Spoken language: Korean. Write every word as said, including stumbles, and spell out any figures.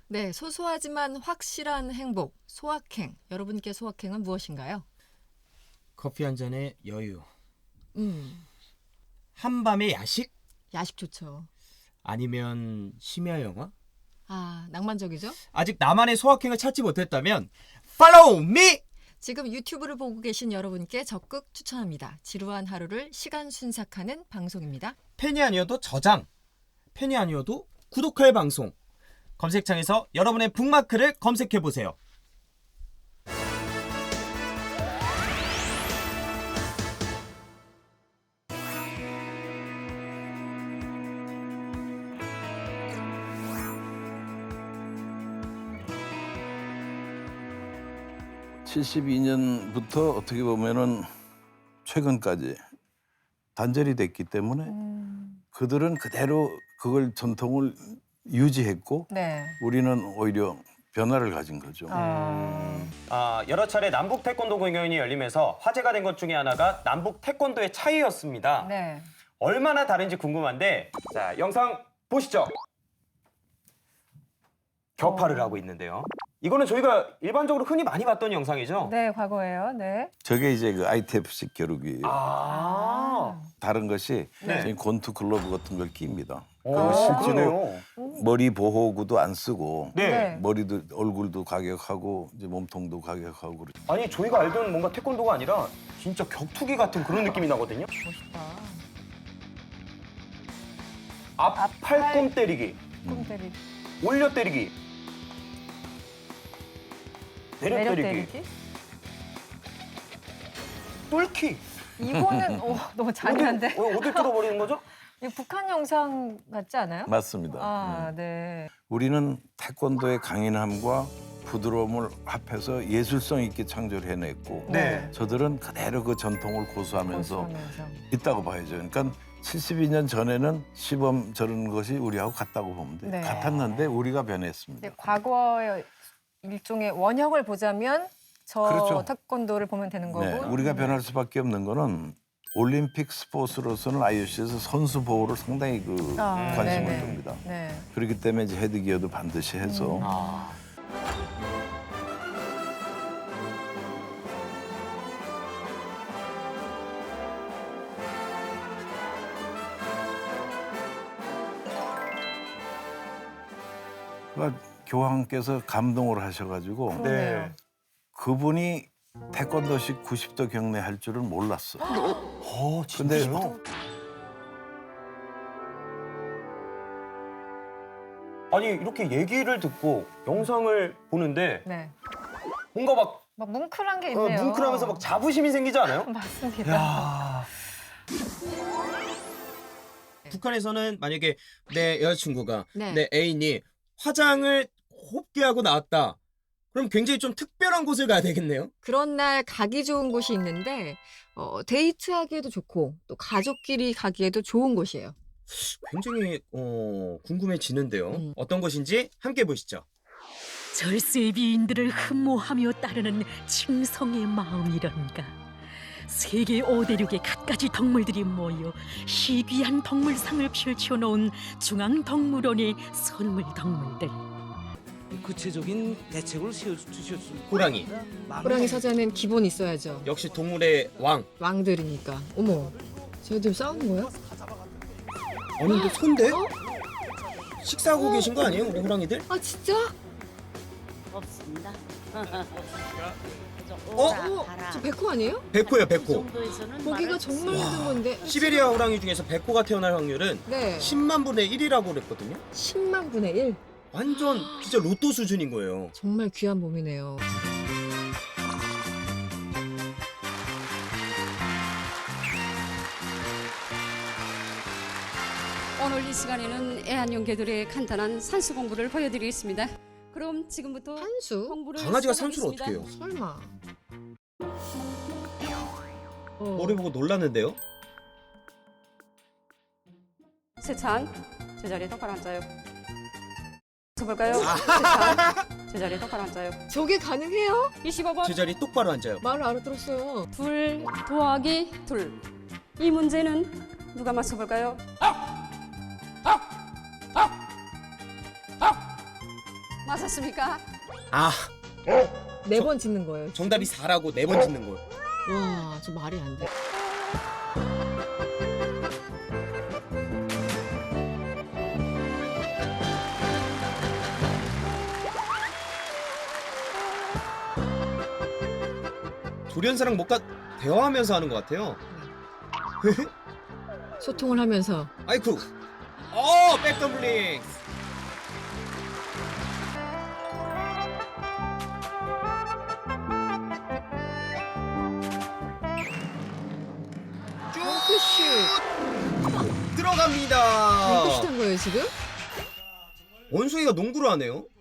네, 소소하지만 확실한 행복, 소확행. 여러분께 소확행은 무엇인가요? 커피 한 잔의 여유. 음, 한밤의 야식? 야식 좋죠. 아니면 심야 영화? 아, 낭만적이죠? 아직 나만의 소확행을 찾지 못했다면 Follow me! 지금 유튜브를 보고 계신 여러분께 적극 추천합니다. 지루한 하루를 시간 순삭하는 방송입니다. 팬이 아니어도 저장, 팬이 아니어도 구독할 방송. 검색창에서 여러분의 북마크를 검색해보세요. 칠십이 년부터 어떻게 보면은 최근까지 단절이 됐기 때문에 음. 그들은 그대로 그걸 전통을 유지했고 네. 우리는 오히려 변화를 가진 거죠. 아. 아, 여러 차례 남북 태권도 공연이 열리면서 화제가 된 것 중에 하나가 남북 태권도의 차이였습니다. 네. 얼마나 다른지 궁금한데 자, 영상 보시죠. 격파를 어. 하고 있는데요. 이거는 저희가 일반적으로 흔히 많이 봤던 영상이죠? 네, 과거예요. 네. 저게 이제 그 아이티에프식 겨루기예요. 아. 다른 것이 네. 저희 권투 글러브 같은 걸 낍니다. 오, 그거 실제로 그러네요. 머리 보호구도 안 쓰고 네. 네. 머리도 얼굴도 가격하고 이제 몸통도 가격하고 그러죠. 아니, 저희가 알던 뭔가 태권도가 아니라 진짜 격투기 같은 그런 느낌이 나거든요. 멋있다. 앞 앞팔. 팔꿈 때리기, 꿈 때리기. 올려 때리기, 내려, 매력 때리기, 때리기. 뚫기. 이거는 오, 너무 잔인한데. 어디, 어, 어디 뚫어버리는 거죠? 이거 북한 영상 같지 않아요? 맞습니다. 아, 음. 네. 우리는 태권도의 강인함과 부드러움을 합해서 예술성 있게 창조를 해냈고 네. 저들은 그대로 그 전통을 고수하면서 고수하면서. 있다고 봐야죠. 그러니까 칠십이 년 전에는 시범 저런 것이 우리하고 같다고 보면 돼요. 네. 같았는데 우리가 변했습니다. 근데 과거의 일종의 원형을 보자면 저 그렇죠. 태권도를 보면 되는 거고. 네, 우리가 변할 수밖에 없는 거는 올림픽 스포츠로서는 아이오씨에서 선수 보호를 상당히 그 아, 관심을 네네. 둡니다. 네. 그렇기 때문에 이제 헤드기어도 반드시 해서 음. 아. 그러니까 교황께서 감동을 하셔가지고 그러네요. 네. 그분이 태권도식 구십 도 경례 할 줄은 몰랐어. 어, 근데 진짜요? 아니, 이렇게 얘기를 듣고 영상을 보는데 네. 뭔가 막 막 뭉클한 게 어, 있네요. 뭉클하면서 막 자부심이 생기지 않아요? 맞습니다. 야. 북한에서는 만약에 내 여자친구가 네. 내 애인이 화장을 곱게 하고 나왔다. 그럼 굉장히 좀 특별한 곳을 가야 되겠네요. 그런 날 가기 좋은 곳이 있는데 어, 데이트하기에도 좋고 또 가족끼리 가기에도 좋은 곳이에요. 굉장히 어, 궁금해지는데요. 음. 어떤 곳인지 함께 보시죠. 절세의 비인들을 흠모하며 따르는 칭성의 마음이런가. 세계 오대륙의 갖가지 덕물들이 모여 희귀한 덕물상을 펼쳐놓은 중앙덕물원의 선물 덕물들. 구체적인 대책을 세워주셨습니다. 호랑이. 호랑이 사자는 기본 있어야죠. 역시 동물의 왕. 왕들이니까. 어머, 쟤들 싸우는 거야? 아니, 근데 손대? 어? 식사하고 계신 거 아니에요, 우리 호랑이들? 아 진짜? 없습니다. 어? 어? 저 백호 아니에요? 백호예요, 백호. 보기가 정말 힘든 건데. 시베리아 호랑이 중에서 백호가 태어날 확률은 네. 십만 분의 일이라고 그랬거든요. 십만 분의 일. 완전 진짜 로또 수준인 거예요. 정말 귀한 몸이네요. 오늘 이 시간에는 애완용개들의 간단한 산수 공부를 보여드리겠습니다. 그럼 지금부터 산수? 공부를 강아지가 산수를 시작하겠습니다. 어떻게 해요? 설마. 어. 머리 보고 놀랐는데요. 세찬, 제자리에 똑바로 앉아요. 서볼까요? 세찬, 제자리에 똑바로 앉아요. 저게 가능해요? 이십오 번, 제자리 똑바로 앉아요. 말을 알아들었어요. 둘 더하기 둘. 이 문제는 누가 맞춰볼까요? 맞았습니까? 아, 네 번 짓는 거예요. 정답이 사라고 네 번 짓는 거예요. 와, 저 말이 안 돼. 조련사랑 뭔가 대화하면서 하는 것 같아요. 소통을 하면서. 아이쿠. 어, 백덤블링. 덩크슛. 들어갑니다. 덩크슛 한 거예요, 지금? 원숭이가 농구를 하네요.